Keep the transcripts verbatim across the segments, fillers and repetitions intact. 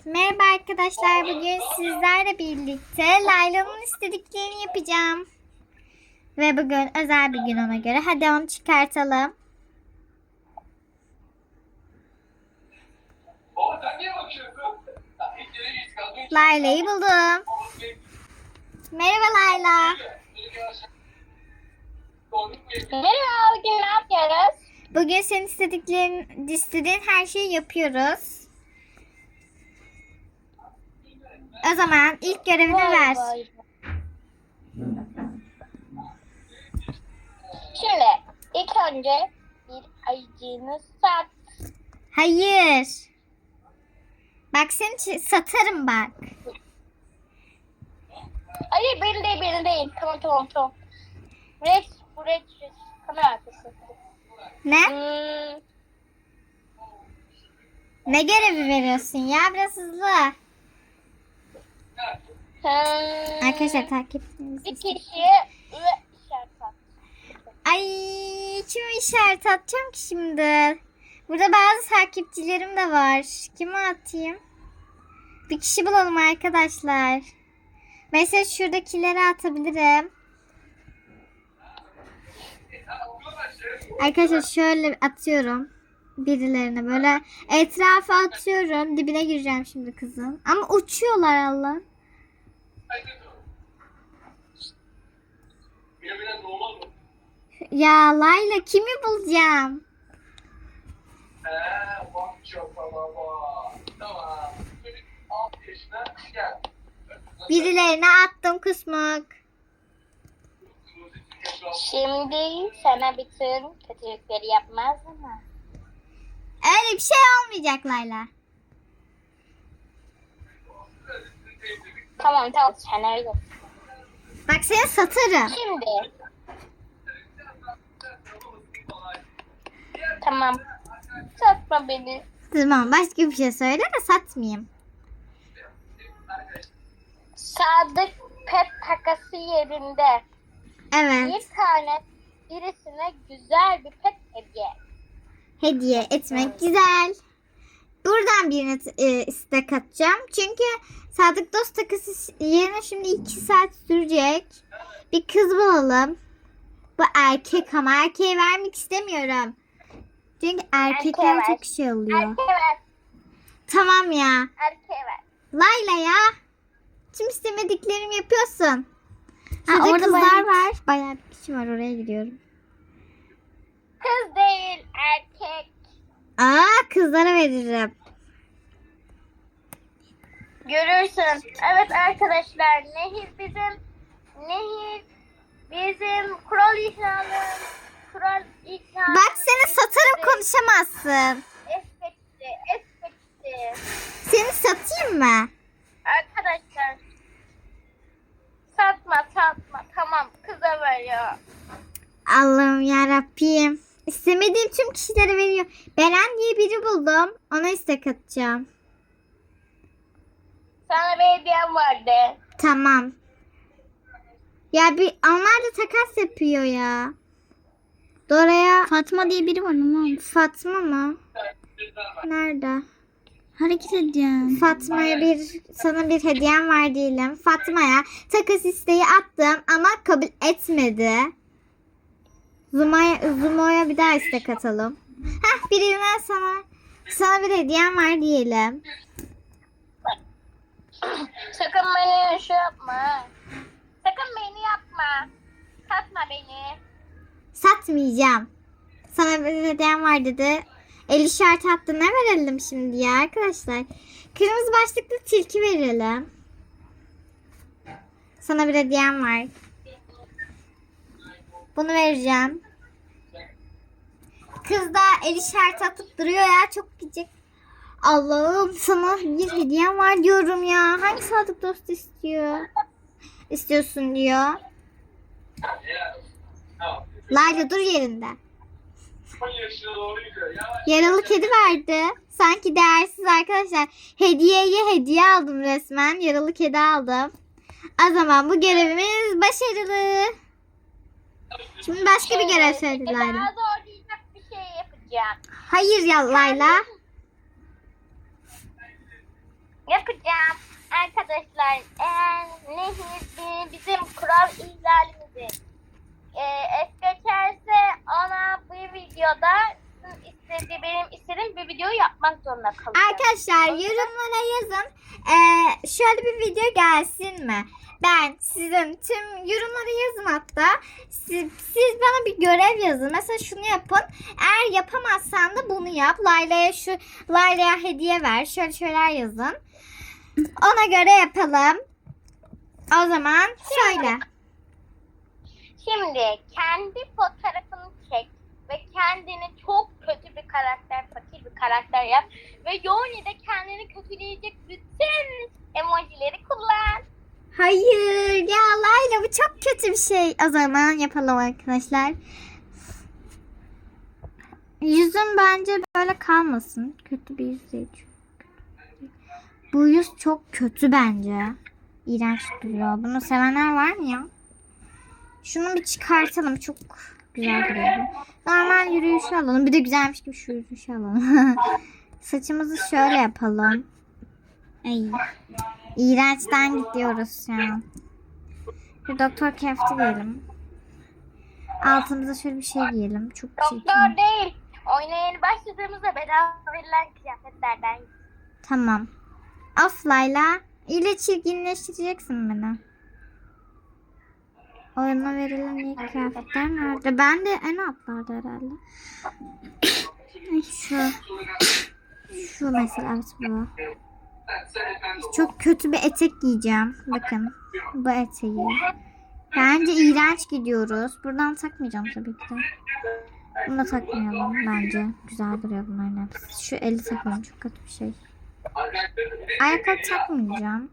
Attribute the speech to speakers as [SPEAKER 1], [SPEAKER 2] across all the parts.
[SPEAKER 1] Merhaba arkadaşlar. Bugün sizlerle birlikte Layla'nın istediklerini yapacağım. Ve bugün özel bir gün ona göre. Hadi onu çıkartalım. Layla'yı buldum. Merhaba Layla.
[SPEAKER 2] Merhaba, bugün ne yapıyoruz?
[SPEAKER 1] Bugün senin istediklerin, istediğin her şeyi yapıyoruz. O zaman ilk görevini
[SPEAKER 2] Vay
[SPEAKER 1] ver.
[SPEAKER 2] vay. Şimdi ilk önce bir ayıcığını sat.
[SPEAKER 1] Hayır. Bak seni ç- satarım bak.
[SPEAKER 2] Hayır, beni değil, beni değil. Tamam, tamam, tamam. Rex, bu Rex, Rex. Kamera arkası.
[SPEAKER 1] Ne?
[SPEAKER 2] Hmm,
[SPEAKER 1] Ne görevi veriyorsun ya? Biraz hızlı.
[SPEAKER 2] hmm,
[SPEAKER 1] Arkadaşlar takipçiniz.
[SPEAKER 2] bir kişiye ve işaret at.
[SPEAKER 1] Ay kime işaret atacağım ki şimdi? Burada bazı takipçilerim de var. Kime atayım? Bir kişi bulalım arkadaşlar. Mesela şuradakileri atabilirim. Arkadaşlar şöyle atıyorum. Birilerine böyle etrafa atıyorum. Dibine gireceğim şimdi kızın. Ama uçuyorlar Allah. Ya Layla kimi bulacağım? Birilerine attım kusmuk.
[SPEAKER 2] Şimdi sana bütün kötülükleri yapmaz mı?
[SPEAKER 1] Öyle bir şey olmayacak Layla.
[SPEAKER 2] Tamam, tamam, sen öyle.
[SPEAKER 1] Bak seni satarım.
[SPEAKER 2] Şimdi. Tamam. Satma beni.
[SPEAKER 1] Tamam başka bir şey söyle de satmayayım.
[SPEAKER 2] Sadık pet takası yerinde.
[SPEAKER 1] Evet.
[SPEAKER 2] Bir tane birisine güzel bir pet hediye.
[SPEAKER 1] Hediye etmek güzel. Buradan birine e, istek atacağım. Çünkü Sadık Dost takısı yerine şimdi iki saat sürecek. Bir kız bulalım. Bu erkek ama erkeğe vermek istemiyorum. Çünkü erkekler
[SPEAKER 2] ver.
[SPEAKER 1] çok şey oluyor.
[SPEAKER 2] Erkeğe ver.
[SPEAKER 1] Tamam ya.
[SPEAKER 2] Erkeğe ver.
[SPEAKER 1] Layla ya. Tüm istemediklerimi yapıyorsun. Ha,
[SPEAKER 2] Şurada
[SPEAKER 1] orada kızlar
[SPEAKER 2] bayağı-
[SPEAKER 1] var. Bayağı bir kişi var, oraya gidiyorum.
[SPEAKER 2] Kız değil, erkek.
[SPEAKER 1] Aa, kızlara veririm.
[SPEAKER 2] Görürsün. Evet arkadaşlar, Nehir bizim Nehir bizim kural ihlali. Kural ihlali.
[SPEAKER 1] Bak seni satarım, konuşamazsın.
[SPEAKER 2] Espetti, espetti.
[SPEAKER 1] Seni satayım mı?
[SPEAKER 2] Arkadaşlar, satma satma, tamam, kıza veriyor.
[SPEAKER 1] Allah'ım yarabbim. İstemediğim tüm kişilere veriyor. Beren diye biri buldum. Ona istek atacağım.
[SPEAKER 2] Sana bir hediyem vardı.
[SPEAKER 1] Tamam. Ya bir onlar da takas yapıyor ya. Dora'ya
[SPEAKER 3] Fatma diye biri var ama
[SPEAKER 1] Fatma mı? Nerede?
[SPEAKER 3] hareket edeceğim.
[SPEAKER 1] Fatma'ya bir sana bir hediyem var diyelim. Fatma'ya takas isteği attım ama kabul etmedi. Zuma'ya Zuma'ya bir daha istek atalım. Heh, birine sana sana bir hediyem var diyelim.
[SPEAKER 2] Sakın beni şey yapma. Sakın beni yapma. Satma beni.
[SPEAKER 1] Satmayacağım. Sana bir hediyem var dedi. El işareti attı. Ne verelim şimdi ya arkadaşlar? Kırmızı başlıklı tilki verelim. Sana bir hediyem var. Bunu vereceğim. Kız da el işareti atıp duruyor ya. Çok gıcık. Allah'ım sana bir hediyem var diyorum ya. Hangi sadık dost istiyor? İstiyorsun diyor. Layla dur yerinde. Yaralı kedi verdi. Sanki değersiz arkadaşlar. Hediyeye hediye aldım resmen. Yaralı kedi aldım. O zaman bu görevimiz başarılı. Şimdi başka bir görev söyle Layla.
[SPEAKER 2] Daha zorlayacak bir şey yapacağım.
[SPEAKER 1] Hayır ya Layla.
[SPEAKER 2] Yapacağım. Arkadaşlar eğer Nehir bizim kural ihlalimizi e, es geçerse ona bu videoda sizin istediği, benim istediğim bir videoyu yapmak zorunda kalacağım.
[SPEAKER 1] Arkadaşlar yorumlara yazın. Ee, şöyle bir video gelsin mi? Ben sizin tüm yorumlara yazın hatta. Siz, siz bana bir görev yazın. Mesela şunu yapın. Eğer yapamazsan da bunu yap. Layla'ya şu Layla'ya hediye ver. Şöyle şeyler yazın. Ona göre yapalım. O zaman şöyle.
[SPEAKER 2] Şimdi kendi fotoğrafını çek ve kendini çok kötü bir karakter, fakir bir karakter yap ve Yoni'de kendini kötüleyecek bütün emojileri kullan.
[SPEAKER 1] Hayır ya Layla bu çok kötü bir şey. O zaman yapalım arkadaşlar. Yüzüm bence böyle kalmasın. Kötü bir yüz değil. Bu yüz çok kötü bence. İğrenç duruyor. Bunu sevenler var mı ya? Şunu bir çıkartalım. Çok güzel duruyor. Normal yürüyüşü alalım. Bir de güzelmiş gibi şu yürüyüşü alalım. Saçımızı şöyle yapalım. Ay. İğrençten gidiyoruz şu an. Bir doktor kefti giyelim. Altımıza şöyle bir şey giyelim. Çok çirkin.
[SPEAKER 2] Doktor değil. Oyuna yeni başladığımızda bedava verilen kıyafetlerden.
[SPEAKER 1] Tamam. Of Layla. İle çirkinleştireceksin beni. Oyuna verilen iyi kıyafetler nerede? Ben de en altlarda herhalde. Şu. Şu mesela evet bu. Çok kötü bir etek giyeceğim. Bakın. Bu eteği. Bence iğrenç gidiyoruz. Buradan takmayacağım tabii ki de. Bunu da takmayalım bence. Güzel duruyor bunların hepsi. Şu eli takalım. Çok kötü bir şey. Ayakkabı takmayacağım.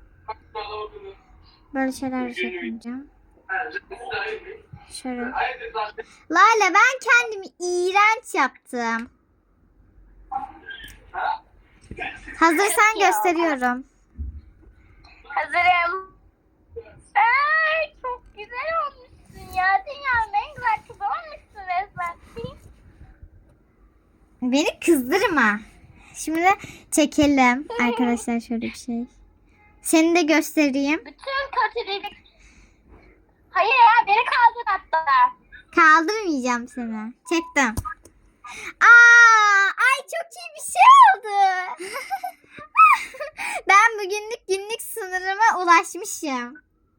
[SPEAKER 1] Böyle şeyler de takmayacağım. Şöyle. Lale ben kendimi iğrenç yaptım. Hazırsan gösteriyorum.
[SPEAKER 2] Hazırım. Ay, çok güzel olmuşsun ya. Dünyanın en güzel kızı olmuşsun resmen.
[SPEAKER 1] Beni kızdırma. Şimdi çekelim arkadaşlar şöyle bir şey. Seni de göstereyim.
[SPEAKER 2] Bütün kötülük. Hayır ya, beni kaldır hatta.
[SPEAKER 1] Kaldırmayacağım seni. Çektim. Aa, ay çok iyi bir şey oldu. Ben bugünlük günlük sınırıma ulaşmışım.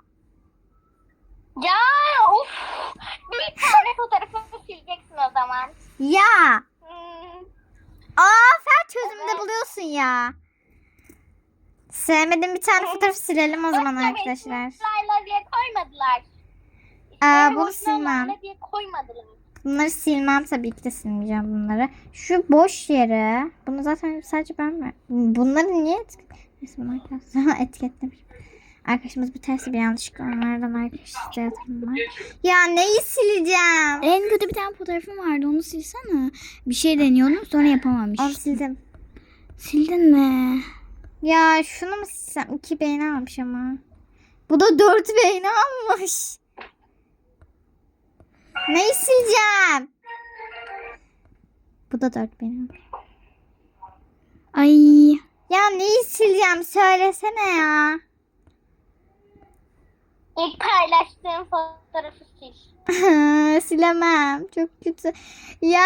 [SPEAKER 2] Ya of. Bir tane fotoğrafımı sileceksin o zaman.
[SPEAKER 1] Ya.
[SPEAKER 2] Hmm.
[SPEAKER 1] Aa sen çözümde
[SPEAKER 2] Evet.
[SPEAKER 1] buluyorsun ya. Sevmediğim bir tane fotoğraf silelim o zaman
[SPEAKER 2] Yoksa
[SPEAKER 1] arkadaşlar.
[SPEAKER 2] beni Layla diye koymadılar.
[SPEAKER 1] Aa,
[SPEAKER 2] Beni
[SPEAKER 1] bunu
[SPEAKER 2] boşuna
[SPEAKER 1] silmem.
[SPEAKER 2] Layla diye koymadılar.
[SPEAKER 1] Bunları silmem tabii ki de silmeyeceğim bunları. Şu boş yere. Bunu zaten sadece ben mi? Bunları niye etiket... Neyse bunu arkadaşlar etiketlemişim. Arkadaşımız bir tersi bir yanlışlıkla onlardan arkadaşlar var. Ya neyi sileceğim?
[SPEAKER 3] En kötü bir tane fotoğrafım vardı, onu silsene. Bir şey deniyordum sonra yapamamış.
[SPEAKER 1] Onu sildim.
[SPEAKER 3] Sildin mi?
[SPEAKER 1] Ya şunu mu silsem? İki beğeni almış ama. Bu da dört beğeni almış. Neyi sileceğim? Bu da dört beğeni almış.
[SPEAKER 3] Ay.
[SPEAKER 1] Ya neyi sileceğim? Söylesene ya.
[SPEAKER 2] İlk paylaştığım fotoğrafı sil.
[SPEAKER 1] Silemem. Çok kötü. Ya.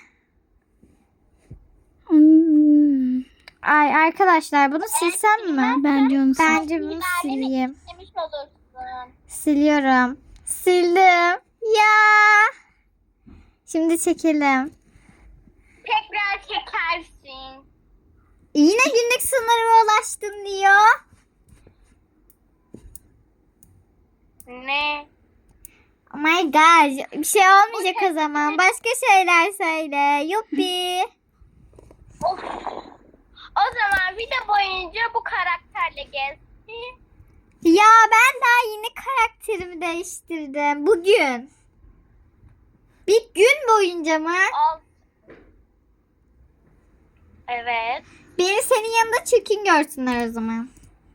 [SPEAKER 3] Hmm.
[SPEAKER 1] Ay arkadaşlar bunu silsem mi?
[SPEAKER 3] Bence onu sil.
[SPEAKER 1] Bence bunu sileyim.
[SPEAKER 2] İstemiş olursun.
[SPEAKER 1] Siliyorum. Sildim. Ya. Şimdi çekelim.
[SPEAKER 2] Tekrar çekersin.
[SPEAKER 1] Yine günlük sınırıma ulaştın diyor.
[SPEAKER 2] Ne?
[SPEAKER 1] Oh my god. Bir şey olmayacak o zaman. Başka şeyler söyle. Yuppi.
[SPEAKER 2] Of. O zaman video boyunca bu karakterle gezsin.
[SPEAKER 1] Ya ben daha yeni karakterimi değiştirdim. Bugün. Bir gün boyunca mı?
[SPEAKER 2] Al. Evet.
[SPEAKER 1] Beni senin yanında çirkin görsünler o zaman.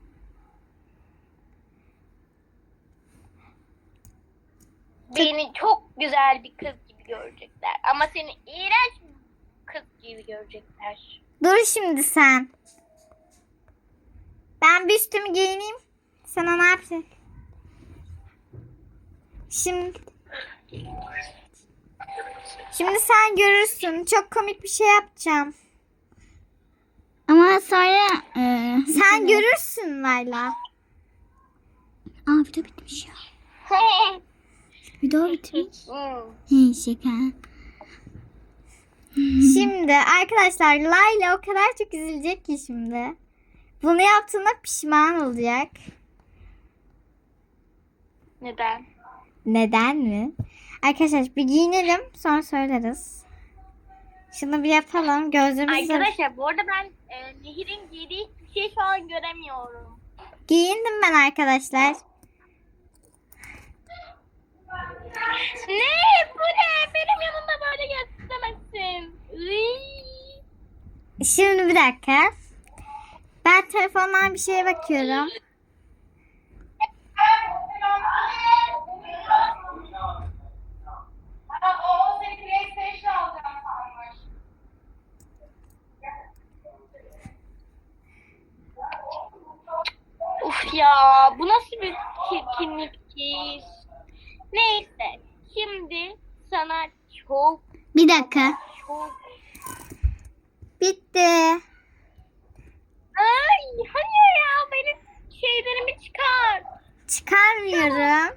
[SPEAKER 2] Beni çok güzel bir kız gibi görecekler. Ama seni iğrenç bir kız gibi görecekler.
[SPEAKER 1] Dur şimdi sen. üstümü giyineyim. Sana ne yapayım? Şimdi Şimdi sen görürsün. Çok komik bir şey yapacağım.
[SPEAKER 3] Ama sonra e,
[SPEAKER 1] Sen görürsün Layla.
[SPEAKER 3] Aa video bitmiş ya. Video bitmiş.
[SPEAKER 2] Hmm.
[SPEAKER 3] He şaka.
[SPEAKER 1] Şimdi arkadaşlar Layla o kadar çok üzülecek ki şimdi. Bunu yaptığına pişman olacak.
[SPEAKER 2] Neden?
[SPEAKER 1] Neden mi? Arkadaşlar bir giyinelim sonra söyleriz. Şunu bir yapalım. Gözlerimizi
[SPEAKER 2] Arkadaşlar bu arada ben e, Nehir'in giydiği hiçbir şey şu an göremiyorum.
[SPEAKER 1] giyindim ben arkadaşlar.
[SPEAKER 2] Ne? Bu ne? Benim yanımda böyle gezemezsin. Iiii.
[SPEAKER 1] Şimdi bir dakika. Ben telefondan bir şeye bakıyorum.
[SPEAKER 2] Uf ya, bu nasıl bir çirkinlik ki? Neyse, şimdi sana çok
[SPEAKER 3] Bir dakika.
[SPEAKER 2] çok...
[SPEAKER 1] Bitti.
[SPEAKER 2] Ay, hayır ya, benim şeylerimi çıkar.
[SPEAKER 1] Çıkarmıyorum.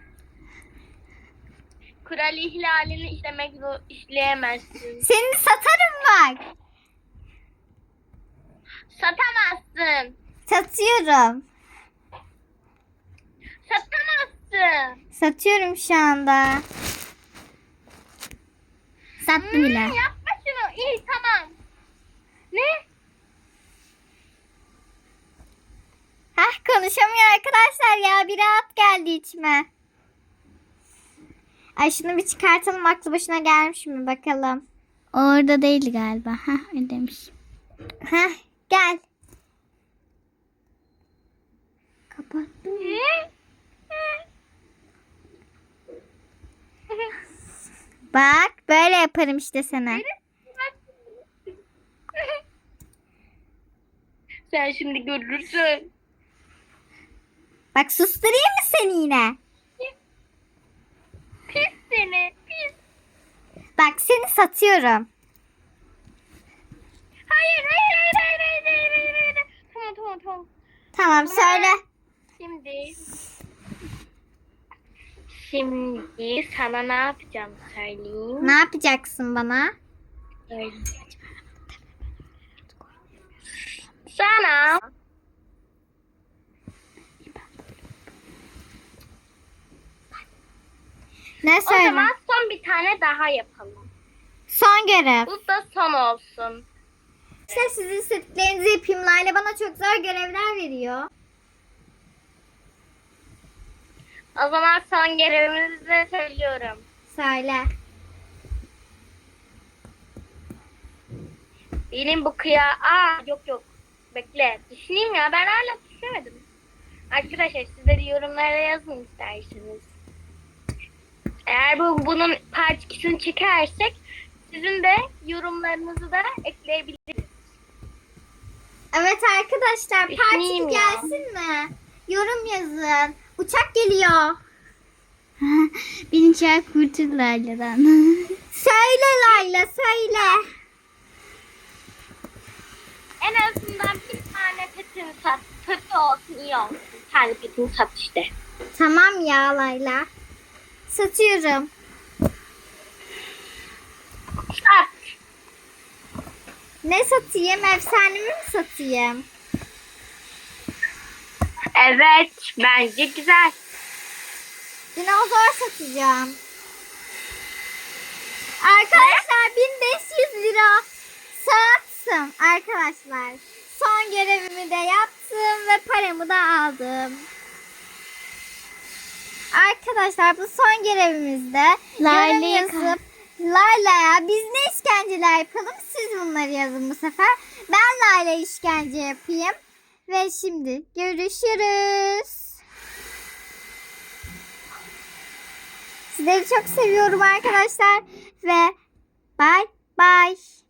[SPEAKER 2] Kural ihlalini işlemek zor, işleyemezsin.
[SPEAKER 1] Seni satarım bak.
[SPEAKER 2] Satamazsın.
[SPEAKER 1] Satıyorum.
[SPEAKER 2] Satamazsın.
[SPEAKER 1] Satıyorum şu anda. Sattım
[SPEAKER 2] Hmm,
[SPEAKER 1] bile.
[SPEAKER 2] yapma şunu. İyi, tamam. Ne?
[SPEAKER 1] Hah konuşamıyor arkadaşlar ya. Bir rahat geldi içime. Ay şunu bir çıkartalım. Aklı başına gelmiş mi bakalım.
[SPEAKER 3] Orada değil galiba. Hah öyle demiş.
[SPEAKER 1] Hah gel. Kapattım. Bak böyle yaparım işte sana.
[SPEAKER 2] Sen şimdi görürsün.
[SPEAKER 1] Bak susturayım mı seni yine?
[SPEAKER 2] Pis seni. Pis.
[SPEAKER 1] Bak seni satıyorum.
[SPEAKER 2] Hayır, hayır, hayır, hayır, hayır, hayır, hayır, hayır. Tamam, tamam, tamam.
[SPEAKER 1] Tamam söyle.
[SPEAKER 2] Şimdi Şimdi sana ne yapacağım söyleyeyim.
[SPEAKER 1] Ne yapacaksın bana?
[SPEAKER 2] Söyleyeyim. Sana
[SPEAKER 1] Ne
[SPEAKER 2] o
[SPEAKER 1] söyle?
[SPEAKER 2] zaman son bir tane daha yapalım.
[SPEAKER 1] Son görev.
[SPEAKER 2] Bu da son olsun.
[SPEAKER 1] İşte sizin istediklerinizi yapayım. Layla bana çok zor görevler veriyor.
[SPEAKER 2] O zaman son görevimizi de söylüyorum.
[SPEAKER 1] Söyle.
[SPEAKER 2] Benim bu kıya... Aa yok yok. Bekle. Düşüneyim ya. Ben hala düşünemedim. Arkadaşlar siz de yorumlara yazın isterseniz. Eğer bu bunun part ikisini çekersek sizin de yorumlarınızı da ekleyebiliriz.
[SPEAKER 1] Evet arkadaşlar parti
[SPEAKER 2] Düşüneyim ya.
[SPEAKER 1] gelsin mi? Yorum yazın. Uçak geliyor.
[SPEAKER 3] Beni çağır kurtul Layla'dan.
[SPEAKER 1] Söyle Layla söyle.
[SPEAKER 2] En azından bir tane petin sat. Peti olsun iyi olsun. Bir tane petini sat işte.
[SPEAKER 1] Tamam ya Layla. Satıyorum.
[SPEAKER 2] Sat.
[SPEAKER 1] Ne satayım? Efsanemi mi satayım?
[SPEAKER 2] Evet. Bence güzel.
[SPEAKER 1] Dinozor satacağım. Arkadaşlar bin beş yüz lira sattım arkadaşlar. Son görevimi de yaptım ve paramı da aldım. Arkadaşlar bu son görevimizde yorum
[SPEAKER 3] Layla'yı
[SPEAKER 1] yazıp Layla'ya biz ne işkenceler yapalım siz bunları yazın bu sefer. Ben Layla'ya işkence yapayım. Ve şimdi görüşürüz. Sizleri çok seviyorum arkadaşlar. Ve bye bye.